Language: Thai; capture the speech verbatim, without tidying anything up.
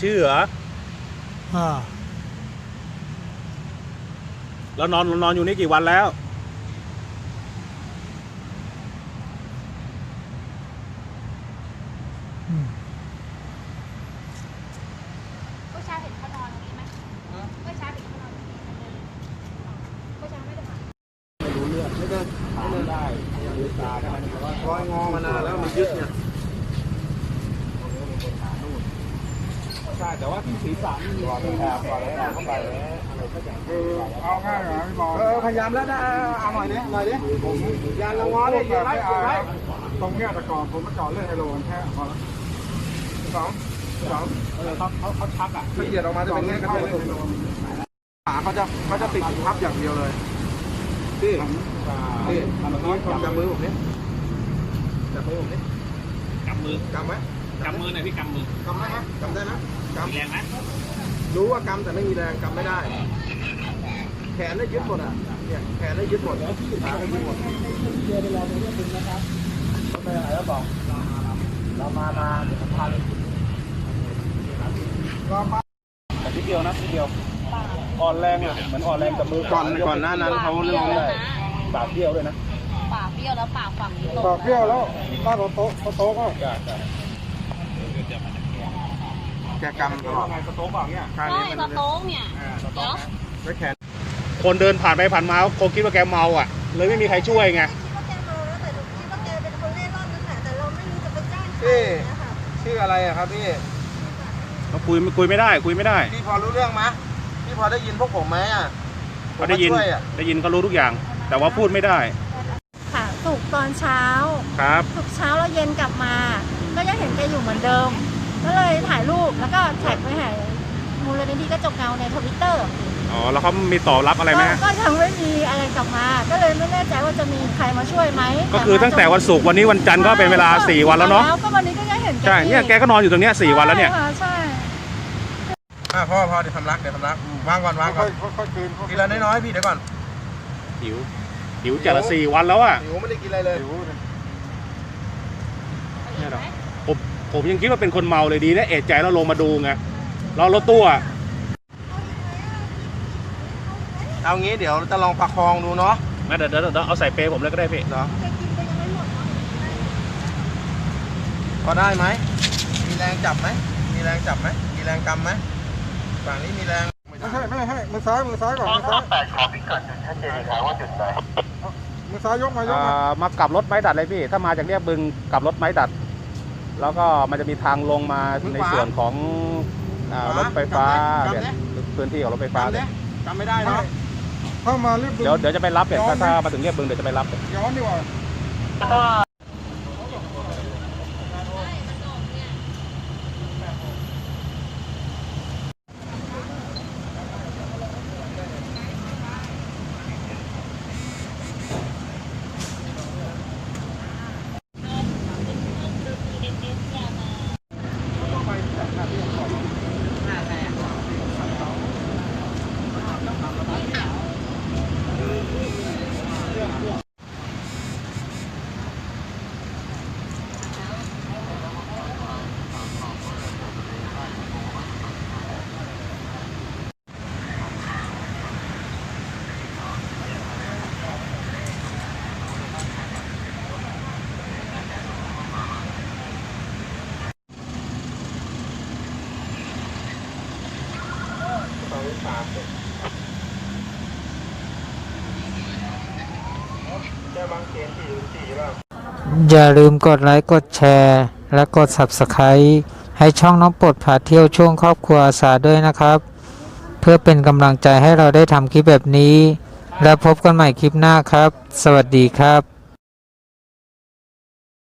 ชื่อเหรออ่าแล้วนอนนอนอยู่นี่กี่วันแล้วเมื่อเช้าเห็นเขานอนตรงนี้ไหมเมื่อเช้าเห็นเขานอนตรงนี้ไหมเมื่อเช้าไม่ได้ผ่านไม่รู้เรื่องไม่ได้ไม่ได้ได้ลืมตาได้แต่ว่าร้อยงอมานานแล้วมันยึดเนี่ยใช่แต่ว่าที่ศีรษะนี่มีแอบก่อนแล้วเข้าไปอะไรก็อย่างเออเอาง่ายเหรอพี่บอลเออพยายามแล้วนะเอาหน่อยดิหน่อยดิผมยานละงอดิอย่าไล่อย่าไล่ตรงเนี้ยแต่ก่อนผมมาจอดเรื่องไฮโลแค่พอแล้วสองสองเออเขาเขาเขาชักอ่ะละเอียดออกมาจะเป็นเงี้ยก็เป็นขาเขาจะเขาจะติดทับอย่างเดียวเลยพี่พี่จับมือผมนี่จับมือผมนี่กำมือกำไหมกำมือหน่อยพี่กำมือกำได้ไหมกำได้ไหมกำแรงไหมรู้ว่ากำแต่ไม่มีแรงกำไม่ได้แขนได้ยึดหมดอ่ะเนี่ยแขนได้ยึดหมดแล้วที่ขาได้ยึดหมดเดี๋ยวเราไปเรียกคุณนะครับไปไหนแล้วบอกเรามามาเดี๋ยวผมพาเลยก็มาแต่ทีเดียวนะทีเดียวอ่อนแรงอ่ะเหมือนอ่อนแรงกับมือก่อนก่อนหน้านั้นเขาเรื่องอะไรปากเบี้ยวด้วยนะปากเบี้ยวแล้วปากฝั่งนี้ปากเบี้ยวแล้วบ้านโตโตโตก็แกกำตลอดสโต๊กแบบเนี้ยใช่สโต๊กเนี่ยเดี๋ยวไม่แขนคนเดินผ่านไปผ่านมาคงคิดว่าแกเมาอ่ะเลยไม่มีใครช่วยไงคิดว่าแกเมาแล้วแต่หนูคิดว่าแกเป็นคนเล่ร่อนนั่นแหละแต่เราไม่รู้จะไปแจ้งใครนะคะชื่ออะไรอะครับพี่เราคุยคุยไม่ได้คุยไม่ได้พี่พอรู้เรื่องไหมพี่พอได้ยินพวกผมไหมอ่ะเขาได้ยินได้ยินเขารู้ทุกอย่างแต่ว่าพูดไม่ได้ค่ะสุกตอนเช้าครับสุกเช้าแล้วเย็นกลับมาก็ยังเห็นแกอยู่เหมือนเดิมก็เลยถ่ายรูปแล้วก็แท็กไปหามูลนิธิกระจกเงาในทวิตเตอร์อ๋อแล้วเขามีตอบรับอะไรไหมก็ยังไม่มีอะไรกลับมาก็เลยไม่แน่ใจว่าจะมีใครมาช่วยไหมก็คือตั้งแต่วันศุกร์วันนี้วันจันทร์ก็เป็นเวลาสี่วันแล้วเนาะก็วันนี้ก็ยังเห็นใช่เนี่ยแกก็นอนอยู่ตรงเนี้ยสี่วันแล้วเนี่ยใช่อ่าพ่อพ่อเดี๋ยวทำรักเดี๋ยวทำรักวางก่อนวางก่อนค่อยๆคืนทีละน้อยๆพี่เดี๋ยวก่อนหิวหิวจัดละสี่วันแล้วอ่ะหิวไม่ได้กินอะไรเลยเนี่ยหรอผมผมยังคิดว่าเป็นคนเมาเลยดีนะเอะใจแล้วลงมาดูไงเรารถตู้อ่ะเอางี้เดี๋ยวจะลองประคองดูเนาะงั้นเดี๋ยวเดี๋ยวเอาใส่เปย์ผมเลยก็ได้พี่เนาะพอได้ไหมมีแรงจับไหมมีแรงจับไหมมีแรงกำไหมฝั่งนี้มีแรงไม่ใช่ไม่ใช่มือซ้ายมือซ้ายก่อนมือซ้ายแปดขอพิกัดจุดชัดเจนครับว่าจุดไหนมือซ้ายยกมายกมามากลับรถไม้ดัดเลยพี่ถ้ามาจากเรียบบึงกลับรถไม้ดัดแล้วก็มันจะมีทางลงมาในส่วนของรถไฟฟ้าเนี่ยพื้นที่ของรถไฟฟ้าเนี่ยจำไม่ได้นะเข้ามาเรียบบึงเดี๋ยวเดี๋ยวจะไปรับเนี่ยถ้ามาถึงเรียบบึงเดี๋ยวจะไปรับย้อนดีกว่าอย่าลืมกดไลค์กดแชร์และกด ซับสไครบ์ ให้ช่องน้องปลดพาเที่ยวช่วงครอบครัวอาสาด้วยนะครับเพื่อเป็นกำลังใจให้เราได้ทำคลิปแบบนี้และพบกันใหม่คลิปหน้าครับสวัสดีครับ